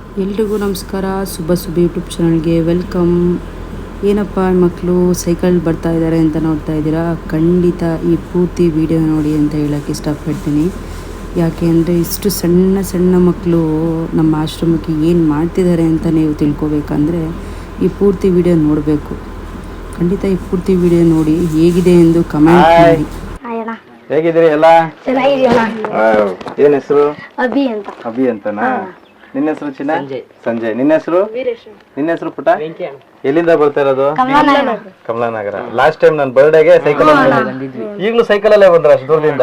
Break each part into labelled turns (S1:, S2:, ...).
S1: ಎಲ್ರಿಗೂ ನಮಸ್ಕಾರ. ಶುಭ ಯೂಟ್ಯೂಬ್ ಚಾನಲ್ಗೆ ವೆಲ್ಕಮ್. ಏನಪ್ಪ ಮಕ್ಕಳು ಸೈಕಲ್ ಬರ್ತಾ ಇದ್ದಾರೆ ಅಂತ ನೋಡ್ತಾ ಇದ್ದೀರಾ? ಖಂಡಿತ ಈ ಪೂರ್ತಿ ವಿಡಿಯೋ ನೋಡಿ ಅಂತ ಹೇಳೋಕ್ಕೆ ಇಷ್ಟಪಡ್ತೀನಿ. ಯಾಕೆ ಅಂದರೆ ಇಷ್ಟು ಸಣ್ಣ ಸಣ್ಣ ಮಕ್ಕಳು ನಮ್ಮ ಆಶ್ರಮಕ್ಕೆ ಏನು ಮಾಡ್ತಿದ್ದಾರೆ ಅಂತ ನೀವು ತಿಳ್ಕೊಬೇಕಂದ್ರೆ ಈ ಪೂರ್ತಿ ವಿಡಿಯೋ ನೋಡಬೇಕು. ಖಂಡಿತ ಈ ಪೂರ್ತಿ ವಿಡಿಯೋ ನೋಡಿ ಹೇಗಿದೆ ಎಂದು ಕಮೆಂಟ್ ಮಾಡಿ.
S2: ಹೇಗಿದ್ದೀರಿ ಎಲ್ಲ? ಏನ್ ಹೆಸರು? ಅಭಿ ಅಂತನಾ? ನಿನ್ನ ಹೆಸರು ಚಿನ್ನ? ಸಂಜಯ್. ನಿನ್ನ ಹೆಸರು? ನಿನ್ನ ಹೆಸರು ಪುಟ? ಎಲ್ಲಿಂದ ಬರ್ತಾ ಇರೋದು? ಕಮಲಾನಗರ. ಲಾಸ್ಟ್ ಟೈಮ್ ನನ್ನ ಬರ್ಡೇಗೆ ಸೈಕಲ್ ಈಗಲೂ ಸೈಕಲ್ ಅಲ್ಲೇ ಬಂದ್ರ ಅಷ್ಟು ದೂರದಿಂದ?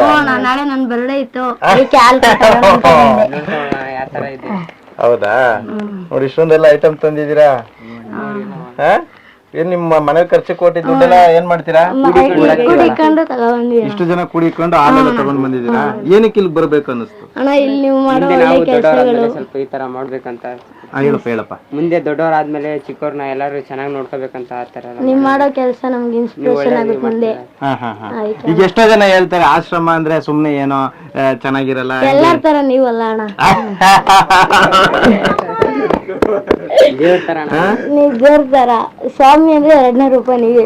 S2: ಹೌದಾ? ನೋಡಿ ಇಷ್ಟೊಂದೆಲ್ಲ ಐಟಮ್ ತಂದಿದ್ದೀರಾ. ಏನ್ ನಿಮ್ಮ ಮನೆ ಖರ್ಚು ಕೊಟ್ಟಿ ದುಡ್ಡೆಲ್ಲ ಏನ್ ಮಾಡ್ತೀರಾ? ಇಷ್ಟು ಜನ ಕೂಡಿಕೊಂಡು ಹಾಲೆಲ್ಲ ತಗೊಂಡ್ ಬಂದಿದ್ದೀರಾ. ಏನಕ್ಕೆ ಇಲ್ಲಿ ಬರ್ಬೇಕು ಅನ್ನಿಸ್ತು?
S3: ಸ್ವಲ್ಪ ಈ ತರ ಮಾಡ್ಬೇಕಂತ.
S2: ಹೇಳಪ್ಪ.
S3: ಮುಂದೆ ದೊಡ್ಡವರಾದ್ಮೇಲೆ ಚಿಕ್ಕವ್ರನ್ನ ಎಲ್ಲಾರು ಚೆನ್ನಾಗಿ ನೋಡ್ಕೋಬೇಕಂತ ಆತರ
S4: ನೀವ್ ಮಾಡೋ ಕೆಲಸ ನಮ್ಗೆ ಇನ್ಸ್ಪಿರೇಷನ್ ಆಗುತ್ತೆ ಮುಂದೆ.
S2: ಈಗ ಎಷ್ಟೋ ಜನ ಹೇಳ್ತಾರೆ ಆಶ್ರಮ ಅಂದ್ರೆ ಸುಮ್ನೆ ಏನೋ ಚೆನ್ನಾಗಿರಲ್ಲ.
S4: ಎಲ್ಲಾರ ತರ ನೀವಲ್ಲ ಅಣ್ಣ. ನೀವ್ ದೇವ್ರ ತರ. ಸ್ವಾಮಿ ಅಂದ್ರೆ 200 ರೂಪಾಯಿ ನೀವೇ.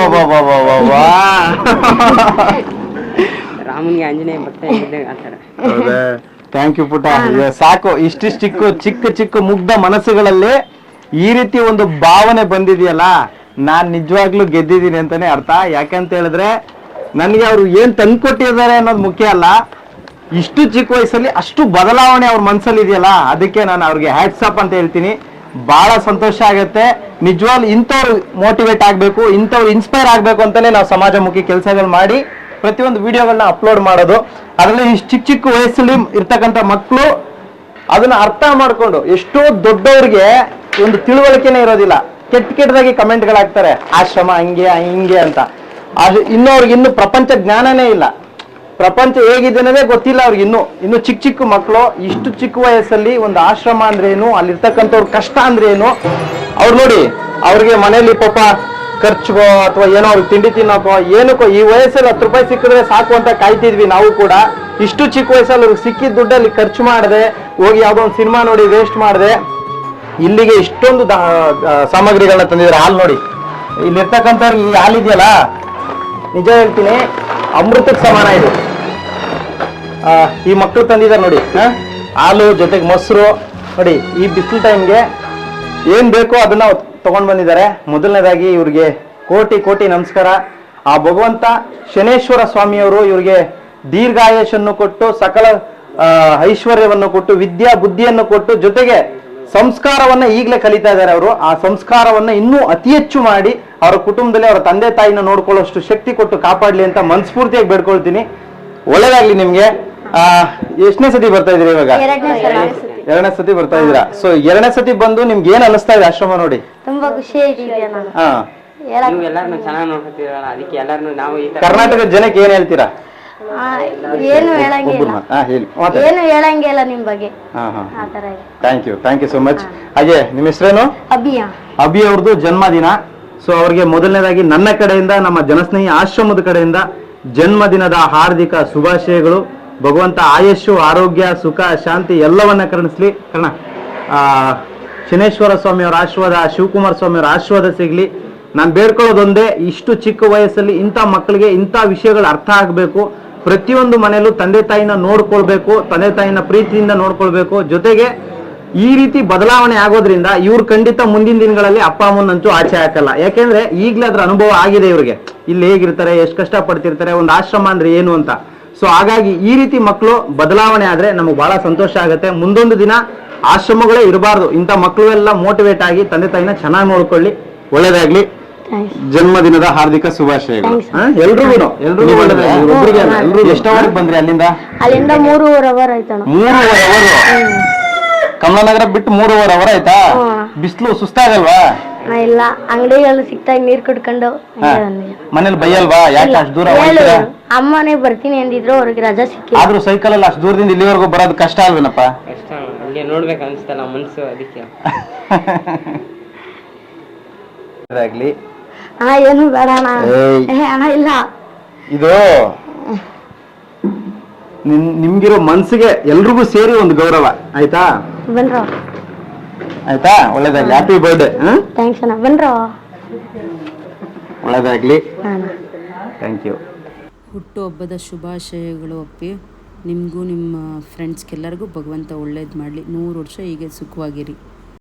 S3: ರಾಮನ್ಗೆ ಆಂಜನೇಯ ಭಕ್ತ ಆತರ.
S2: ಥ್ಯಾಂಕ್ ಯು ಪುಟ. ಸಾಕು, ಇಷ್ಟಿಷ್ಟು ಚಿಕ್ಕ ಚಿಕ್ಕ ಮುಗ್ಧ ಮನಸ್ಸುಗಳಲ್ಲಿ ಈ ರೀತಿ ಒಂದು ಭಾವನೆ ಬಂದಿದೆಯಲ್ಲ, ನಾನ್ ನಿಜವಾಗ್ಲೂ ಗೆದ್ದಿದ್ದೀನಿ ಅಂತಾನೆ ಅರ್ಥ. ಯಾಕಂತ ಹೇಳಿದ್ರೆ ನನ್ಗೆ ಅವ್ರು ಏನ್ ತಂದ್ಕೊಟ್ಟಿದ್ದಾರೆ ಅನ್ನೋದು ಮುಖ್ಯ ಅಲ್ಲ, ಇಷ್ಟು ಚಿಕ್ಕ ವಯಸ್ಸಲ್ಲಿ ಅಷ್ಟು ಬದಲಾವಣೆ ಅವ್ರ ಮನ್ಸಲ್ಲಿ ಇದೆಯಲ್ಲ, ಅದಕ್ಕೆ ನಾನು ಅವ್ರಿಗೆ ಹ್ಯಾಟ್ಸ್ ಅಪ್ ಅಂತ ಹೇಳ್ತೀನಿ. ಬಹಳ ಸಂತೋಷ ಆಗತ್ತೆ. ನಿಜವಾಗ್ಲೂ ಇಂಥವ್ರು ಮೋಟಿವೇಟ್ ಆಗ್ಬೇಕು, ಇಂಥವ್ರು ಇನ್ಸ್ಪೈರ್ ಆಗ್ಬೇಕು ಅಂತಾನೆ ನಾವು ಸಮಾಜಮುಖಿ ಕೆಲಸಗಳು ಮಾಡಿ ಪ್ರತಿಯೊಂದು ವಿಡಿಯೋಗಳನ್ನ ಅಪ್ಲೋಡ್ ಮಾಡೋದು. ಅದರಲ್ಲಿ ಇಷ್ಟು ಚಿಕ್ಕ ಚಿಕ್ಕ ವಯಸ್ಸಲ್ಲಿ ಇರ್ತಕ್ಕಂಥ ಮಕ್ಕಳು ಅದನ್ನ ಅರ್ಥ ಮಾಡ್ಕೊಂಡು, ಎಷ್ಟೋ ದೊಡ್ಡವ್ರಿಗೆ ಒಂದು ತಿಳುವಳಿಕೆನೇ ಇರೋದಿಲ್ಲ, ಕೆಟ್ಟದಾಗಿ ಕಮೆಂಟ್ಗಳಾಗ್ತಾರೆ, ಆಶ್ರಮ ಹಂಗೆ ಹಿಂಗೆ ಅಂತ. ಅದು ಇನ್ನೂ ಪ್ರಪಂಚ ಜ್ಞಾನನೇ ಇಲ್ಲ, ಪ್ರಪಂಚ ಹೇಗಿದೆ ಅನ್ನೋದೇ ಗೊತ್ತಿಲ್ಲ ಅವ್ರಿಗೆ. ಇನ್ನು ಚಿಕ್ಕ ಚಿಕ್ಕ ಮಕ್ಕಳು ಇಷ್ಟು ಚಿಕ್ಕ ವಯಸ್ಸಲ್ಲಿ ಒಂದು ಆಶ್ರಮ ಅಂದ್ರೆ ಏನು, ಅಲ್ಲಿರ್ತಕ್ಕಂಥವ್ರ ಕಷ್ಟ ಅಂದ್ರೆ ಏನು ಅವ್ರು ನೋಡಿ. ಅವ್ರಿಗೆ ಮನೇಲಿ ಪಾಪ ಖರ್ಚಿಗೋ ಅಥವಾ ಏನೋ ಅವ್ರಿಗೆ ತಿಂಡಿ ತಿನ್ನೋಕೋ ಏನಕ್ಕೋ ಈ ವಯಸ್ಸಲ್ಲಿ 10 ರೂಪಾಯಿ ಸಿಕ್ಕಿದ್ರೆ ಸಾಕು ಅಂತ ಕಾಯ್ತಿದ್ವಿ ನಾವು ಕೂಡ. ಇಷ್ಟು ಚಿಕ್ಕ ವಯಸ್ಸಲ್ಲಿ ಅವ್ರಿಗೆ ಸಿಕ್ಕಿದ ದುಡ್ಡಲ್ಲಿ ಖರ್ಚು ಮಾಡದೆ ಹೋಗಿ ಯಾವ್ದೋ ಒಂದು ಸಿನಿಮಾ ನೋಡಿ ವೇಸ್ಟ್ ಮಾಡದೆ ಇಲ್ಲಿಗೆ ಇಷ್ಟೊಂದು ಸಾಮಗ್ರಿಗಳನ್ನ ತಂದಿದ್ದಾರೆ. ಹಾಲು ನೋಡಿ, ಇಲ್ಲಿರ್ತಕ್ಕಂಥವ್ರಿಗೆ ಈ ಹಾಲಿದೆಯಲ್ಲ, ನಿಜ ಹೇಳ್ತೀನಿ ಅಮೃತಕ್ಕೆ ಸಮಾನ ಇದು. ಈ ಮಕ್ಕಳು ತಂದಿದ್ದಾರೆ ನೋಡಿ, ಹಾಲು ಜೊತೆಗೆ ಮೊಸರು ನೋಡಿ. ಈ ಬಿಸಿಲು ಟೈಮ್ಗೆ ಏನ್ ಬೇಕೋ ಅದನ್ನ ತಗೊಂಡ್ ಬಂದಿದ್ದಾರೆ. ಮೊದಲನೇದಾಗಿ ಇವ್ರಿಗೆ ಕೋಟಿ ಕೋಟಿ ನಮಸ್ಕಾರ. ಆ ಭಗವಂತ ಶನೇಶ್ವರ ಸ್ವಾಮಿಯವರು ಇವ್ರಿಗೆ ದೀರ್ಘಾಯುಷನ್ನು ಕೊಟ್ಟು, ಸಕಲ ಐಶ್ವರ್ಯವನ್ನು ಕೊಟ್ಟು, ವಿದ್ಯಾ ಬುದ್ಧಿಯನ್ನು ಕೊಟ್ಟು, ಜೊತೆಗೆ ಸಂಸ್ಕಾರವನ್ನ ಈಗಲೇ ಕಲಿತಾ ಇದ್ದಾರೆ ಅವರು. ಆ ಸಂಸ್ಕಾರವನ್ನ ಇನ್ನೂ ಅತಿ ಹೆಚ್ಚು ಮಾಡಿ ಅವರ ಕುಟುಂಬದಲ್ಲಿ ಅವರ ತಂದೆ ತಾಯಿನ ನೋಡ್ಕೊಳ್ಳೋಷ್ಟು ಶಕ್ತಿ ಕೊಟ್ಟು ಕಾಪಾಡ್ಲಿ ಅಂತ ಮನಸ್ಫೂರ್ತಿಯಾಗಿ ಬೇಡ್ಕೊಳ್ತೀನಿ. ಒಳ್ಳೇದಾಗ್ಲಿ ನಿಮ್ಗೆ. ಎಷ್ಟನೇ ಸತಿ ಬರ್ತಾ ಇದೀರಿ ಇವಾಗ? 2ನೇ ಸತಿ ಬರ್ತಾ ಇದೀರಾ. ಸೊ 2ನೇ ಸತಿ ಬಂದು ನಿಮ್ಗೆ ಏನ್ ಅನಿಸ್ತಾ ಇದೆ ಆಶ್ರಮ ನೋಡಿ?
S4: ತುಂಬಾ ಖುಷಿ ಆಯ್ತು.
S3: ಎಲ್ಲಾರನ್ನು ಚೆನ್ನಾಗಿ ನೋಡ್ಕೊತೀರಲ್ಲ, ಅದಕ್ಕೆ ಎಲ್ಲಾರನ್ನು ನಾವು ಈ ತರ
S2: ಕರ್ನಾಟಕದ ಜನಕ್ಕೆ ಏನ್ ಹೇಳ್ತೀರಾ?
S4: ಏನು ಹೇಳಂಗಿಲ್ಲ ನಿಮ್ ಬಗ್ಗೆ.
S2: Thank you so much. ಹಾಗೆ ನಿಮ್ಮ ಹೆಸರೇನು? ಅಭಿ ಅವ್ರದ್ದು ಜನ್ಮದಿನ. ಸೊ ಅವ್ರಿಗೆ ಮೊದಲನೇದಾಗಿ ನನ್ನ ಕಡೆಯಿಂದ, ನಮ್ಮ ಜನಸ್ನೇಹಿ ಆಶ್ರಮದ ಕಡೆಯಿಂದ ಜನ್ಮದಿನದ ಹಾರ್ದಿಕ ಶುಭಾಶಯಗಳು. ಭಗವಂತ ಆಯುಷ್ಯು, ಆರೋಗ್ಯ, ಸುಖ, ಶಾಂತಿ ಎಲ್ಲವನ್ನ ಕರುಣಿಸ್ಲಿ. ಕಾರಣ ಶನೇಶ್ವರ ಸ್ವಾಮಿ ಅವರ ಆಶೀರ್ವಾದ, ಶಿವಕುಮಾರ ಸ್ವಾಮಿ ಅವರ ಆಶೀರ್ವಾದ ಸಿಗ್ಲಿ. ನಾನು ಬೇಡ್ಕೊಳ್ಳೋದೊಂದೇ, ಇಷ್ಟು ಚಿಕ್ಕ ವಯಸ್ಸಲ್ಲಿ ಇಂಥ ಮಕ್ಕಳಿಗೆ ಇಂಥ ವಿಷಯಗಳು ಅರ್ಥ ಆಗಬೇಕು. ಪ್ರತಿಯೊಂದು ಮನೆಯಲ್ಲೂ ತಂದೆ ತಾಯಿನ ನೋಡ್ಕೊಳ್ಬೇಕು, ತಂದೆ ತಾಯಿನ ಪ್ರೀತಿಯಿಂದ ನೋಡ್ಕೊಳ್ಬೇಕು. ಜೊತೆಗೆ ಈ ರೀತಿ ಬದಲಾವಣೆ ಆಗೋದ್ರಿಂದ ಇವ್ರು ಖಂಡಿತ ಮುಂದಿನ ದಿನಗಳಲ್ಲಿ ಅಪ್ಪ ಅಮ್ಮನಂತೂ ಆಚೆ ಹಾಕಲ್ಲ. ಯಾಕೆಂದ್ರೆ ಈಗಲೇ ಅದ್ರ ಅನುಭವ ಆಗಿದೆ ಇವ್ರಿಗೆ, ಇಲ್ಲಿ ಹೇಗಿರ್ತಾರೆ, ಎಷ್ಟು ಕಷ್ಟ ಪಡ್ತಿರ್ತಾರೆ, ಒಂದು ಆಶ್ರಮ ಅಂದ್ರೆ ಏನು ಅಂತ. ಸೊ ಹಾಗಾಗಿ ಈ ರೀತಿ ಮಕ್ಕಳು ಬದಲಾವಣೆ ಆದ್ರೆ ನಮಗೆ ಬಹಳ ಸಂತೋಷ ಆಗುತ್ತೆ. ಮುಂದೊಂದು ದಿನ ಆಶ್ರಮಗಳೇ ಇರಬಾರ್ದು, ಇಂಥ ಮಕ್ಕಳು ಎಲ್ಲ ಮೋಟಿವೇಟ್ ಆಗಿ ತಂದೆ ತಾಯಿನ ಚೆನ್ನಾಗಿ ನೋಡ್ಕೊಳ್ಳಿ. ಒಳ್ಳೇದಾಗ್ಲಿ. ಜನ್ಮದಿನದ ಹಾರ್ದಿಕ ಶುಭಾಶಯಗಳು ಎಲ್ರಿಗೂ. ಎಷ್ಟವರೆಗೆ ಬಂದ್ರಿ ಅಲ್ಲಿಂದ?
S4: 3.5 ಅವರ್ ಆಯ್ತಣ್ಣ.
S2: 3.5 ಅವರ್ ಕಮಲಾನಗರ ಬಿಟ್ಟು 3.5 ಅವರ್ ಆಯ್ತಾ? ಬಿಸಿಲು ಸುಸ್ತಾಗಲ್ವಾ?
S4: ಇಲ್ಲ, ಅಂಗಡಿಗಳು ಸಿಕ್ತಾಗ ನೀರ್ ಕುಡ್ಕೊಂಡು.
S2: ಮನೇಲಿ ಬೈಯಲ್ವಾ? ಯಾಕೆ ಅಷ್ಟು ದೂರ?
S4: ಅಮ್ಮನೇ ಬರ್ತೀನಿ ಅಂದಿದ್ರು, ಅವ್ರಿಗೆ ರಜಾ ಸಿಕ್ಕಿ.
S2: ಆದ್ರೂ ಸೈಕಲ್ ಅಲ್ಲಿ ಅಷ್ಟು ದೂರದಿಂದ ಇಲ್ಲಿವರೆಗೂ ಬರೋದು ಕಷ್ಟ ಅಲ್ವೇನಪ್ಪ?
S3: ನೋಡ್ಬೇಕು ಅನ್ಸ್ತಲ್ಲ ಮನ್ಸು, ಅದಕ್ಕೆ.
S2: ಆಗ್ಲಿ
S4: ಏನು ಬೇಡ ಅಣ್ಣ. ಇಲ್ಲ,
S2: ಇದು ನಿಮ್ಗಿರೋ ಮನ್ಸಿಗೆ ಎಲ್ರಿಗೂ ಸೇರಿ ಒಂದು ಗೌರವ ಆಯ್ತಾ? ಆಯ್ತಾ? ಒಳ್ಳೇದಾಗ್ಲಿ. Happy birthday.
S4: ಥ್ಯಾಂಕ್ಸ್ ಅಣ್ಣ. ಬನ್ರೋ.
S2: ಒಳ್ಳೇದಾಗ್ಲಿ.
S4: ಅಣ್ಣ
S2: ಥ್ಯಾಂಕ್ ಯು.
S1: ಹುಟ್ಟುಹಬ್ಬದ ಶುಭಾಶಯಗಳು ಅಪ್ಪಿ. ನಿಮಗೂ ನಿಮ್ಮ ಫ್ರೆಂಡ್ಸ್ಗೆಲ್ಲರಿಗೂ ಭಗವಂತ ಒಳ್ಳೇದು ಮಾಡಲಿ. 100 ವರ್ಷ ಹೀಗೆ ಸುಖವಾಗಿರಿ.